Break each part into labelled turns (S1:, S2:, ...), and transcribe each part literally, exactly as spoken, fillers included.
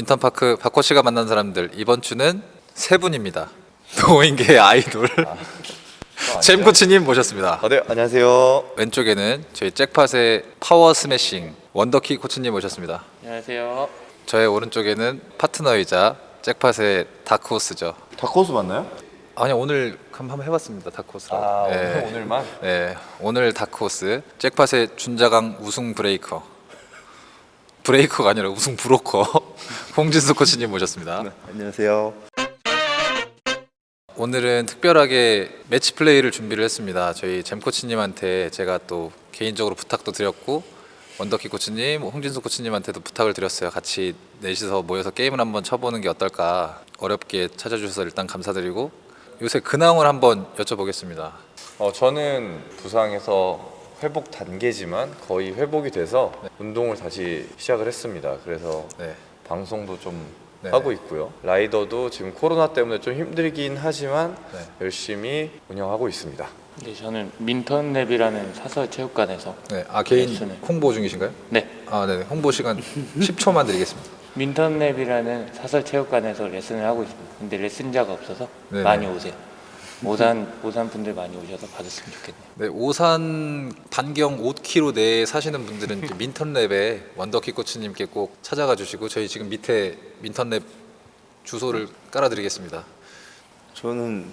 S1: 민턴파크 박코치가 만난 사람들, 이번 주는 세 분입니다. 노인계의 아이돌 잼 코치님 모셨습니다.
S2: 아, 네, 안녕하세요.
S1: 왼쪽에는 저희 잭팟의 파워 스매싱 원더키 코치님 모셨습니다.
S3: 안녕하세요.
S1: 저의 오른쪽에는 파트너이자 잭팟의 다크호스죠.
S2: 다크호스 맞나요?
S1: 아니, 오늘 한번 해봤습니다. 다크호스라고.
S2: 아,
S1: 네.
S2: 오늘, 오늘만?
S1: 네, 오늘 다크호스 잭팟의 준자강 우승 브레이커, 브레이커가 아니라 우승 브로커 홍진수 코치님 모셨습니다.
S2: 네, 안녕하세요.
S1: 오늘은 특별하게 매치 플레이를 준비를 했습니다. 저희 잼 코치님한테 제가 또 개인적으로 부탁도 드렸고, 원더키 코치님, 홍진수 코치님한테도 부탁을 드렸어요. 같이 넷이서 모여서 게임을 한번 쳐보는 게 어떨까. 어렵게 찾아주셔서 일단 감사드리고, 요새 근황을 한번 여쭤보겠습니다.
S2: 어, 저는 부상에서 회복 단계지만 거의 회복이 돼서
S1: 네.
S2: 운동을 다시 시작을 했습니다. 그래서
S1: 네.
S2: 방송도 좀
S1: 네.
S2: 하고 있고요. 라이더도 지금 코로나 때문에 좀 힘들긴 하지만
S1: 네.
S2: 열심히 운영하고 있습니다.
S3: 네, 저는 민턴랩이라는 사설 체육관에서
S1: 네, 아 개인
S3: 레슨을.
S1: 홍보 중이신가요?
S3: 네,
S1: 아, 네. 홍보 시간 십 초만 드리겠습니다.
S3: 민턴랩이라는 사설 체육관에서 레슨을 하고 있습니다. 근데 레슨자가 없어서
S1: 네네.
S3: 많이 오세요. 오산 오산 분들 많이 오셔서 받았으면 좋겠네요.
S1: 네, 오산 반경 오 킬로미터 내에 사시는 분들은 이제 민턴랩에 원더키 코치님께 꼭 찾아가 주시고, 저희 지금 밑에 민턴랩 주소를 깔아드리겠습니다.
S4: 저는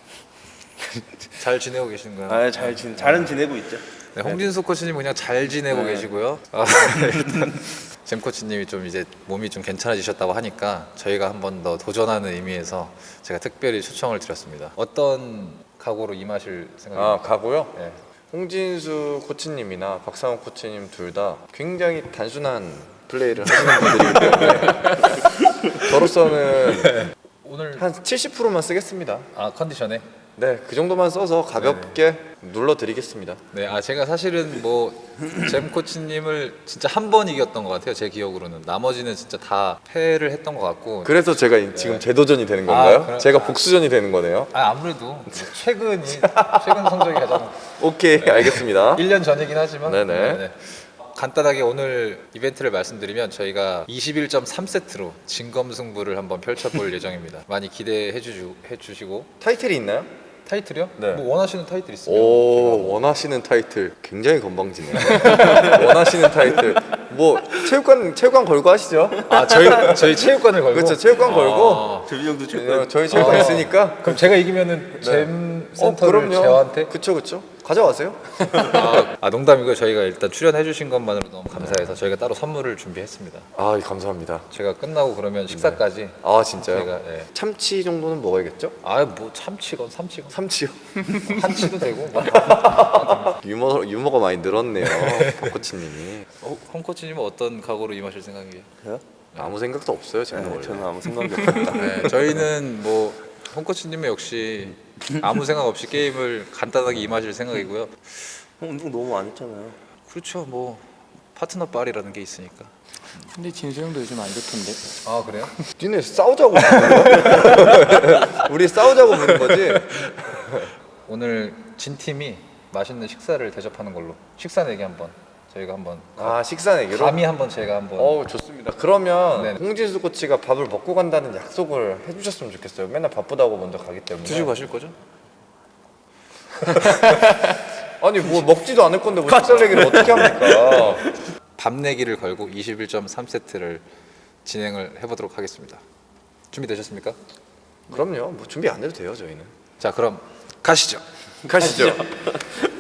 S1: 잘 지내고 계신가요?
S4: 아, 잘 지, 잘은 지내고 있죠.
S1: 네, 홍진수 코치님 그냥 잘 지내고
S4: 네.
S1: 계시고요. 아, 일단 잼 코치님이 좀 이제 몸이 좀 괜찮아지셨다고 하니까 저희가 한 번 더 도전하는 의미에서 제가 특별히 초청을 드렸습니다. 어떤 각오로 임하실
S2: 아,
S1: 생각입니까?
S2: 가고요.
S1: 네.
S2: 홍진수 코치님이나 박상훈 코치님 둘 다 굉장히 단순한 플레이를 하시는 분들이기 때문에 저로서는
S1: 오늘
S2: 한 칠십 퍼센트만 쓰겠습니다.
S1: 아 컨디션에
S2: 네, 그 정도만 써서 가볍게 눌러드리겠습니다.
S1: 네, 아 제가 사실은 뭐 잼 코치님을 진짜 한 번 이겼던 것 같아요. 제 기억으로는 나머지는 진짜 다 패를 했던 것 같고.
S2: 그래서 제가 이- 지금 재도전이 되는 건가요?
S1: 아, 그럼-
S2: 제가 복수전이 되는 거네요.
S1: 아 아무래도 최근이 최근 성적이 가장
S2: 오케이, 알겠습니다.
S1: 일 년 전이긴 하지만
S2: 네네.
S1: 간단하게 오늘 이벤트를 말씀드리면 저희가 이십일 점 삼 세트로 진검승부를 한번 펼쳐볼 예정입니다. 많이 기대해 주시고, 해 주시고.
S2: 타이틀이 있나요?
S1: 타이틀이요?
S2: 네.
S1: 뭐 원하시는 타이틀 있으면
S2: 오, 원하시는 타이틀 굉장히 건방지네요. 원하시는 타이틀 뭐 체육관 체육관 걸고 하시죠?
S1: 아 저희 저희 체육관을 걸고.
S2: 그렇죠, 체육관 걸고.
S4: 조비 형도
S2: 네,
S4: 체육관.
S2: 저희 체육관
S1: 아.
S2: 있으니까.
S1: 그럼 제가 이기면은 잼 센터를 제어한테.
S2: 그쵸, 그쵸. 가져가세요.
S1: 아, 아 농담이고요. 저희가 일단 출연해 주신 것만으로 너무 감사해서 저희가 따로 선물을 준비했습니다.
S2: 아, 감사합니다.
S1: 제가 끝나고 그러면 식사까지
S2: 아, 진짜요?
S1: 저희가 예.
S2: 참치 정도는 먹어야겠죠?
S1: 아뭐 참치건 삼치건
S2: 참치요.
S1: 한치도 되고 뭐.
S2: 유머 유머가 많이 늘었네요, 박코치님이.
S1: 어, 홍 코치님은 어떤 각오로 임하실 생각이에요?
S4: 저요?
S2: 아무 생각도 없어요, 제가
S4: 네,
S2: 원래.
S4: 저는 아무 생각이 없습니다.
S1: 네, 저희는 뭐 홍 코치님은 역시 아무 생각 없이 게임을 간단하게 임하실 생각이고요.
S4: 형 운동 너무 안 했잖아요.
S1: 그렇죠, 뭐 파트너 빨이라는 게 있으니까.
S3: 근데 진수 형도 요즘 안 좋던데.
S1: 아 그래요?
S2: 니네 싸우자고 부른 거야? 우리 싸우자고 부른 거지?
S1: 오늘 진 팀이 맛있는 식사를 대접하는 걸로. 식사 내기 한번 저희가 한번
S2: 아, 식사 내기로?
S1: 감히 한번 제가 한번.
S2: 어우, 좋습니다. 그러면
S1: 네네.
S2: 홍진수 코치가 밥을 먹고 간다는 약속을 해주셨으면 좋겠어요. 맨날 바쁘다고 먼저 가기 때문에.
S1: 드시고 가실 거죠?
S2: 아니, 뭐 먹지도 않을 건데 뭐 식사 내기를 어떻게 합니까?
S1: 밥 내기를 걸고 이십일 점 삼 세트를 진행을 해보도록 하겠습니다. 준비되셨습니까?
S2: 그럼요. 뭐 준비 안 해도 돼요, 저희는.
S1: 자 그럼 가시죠.
S2: 가시죠.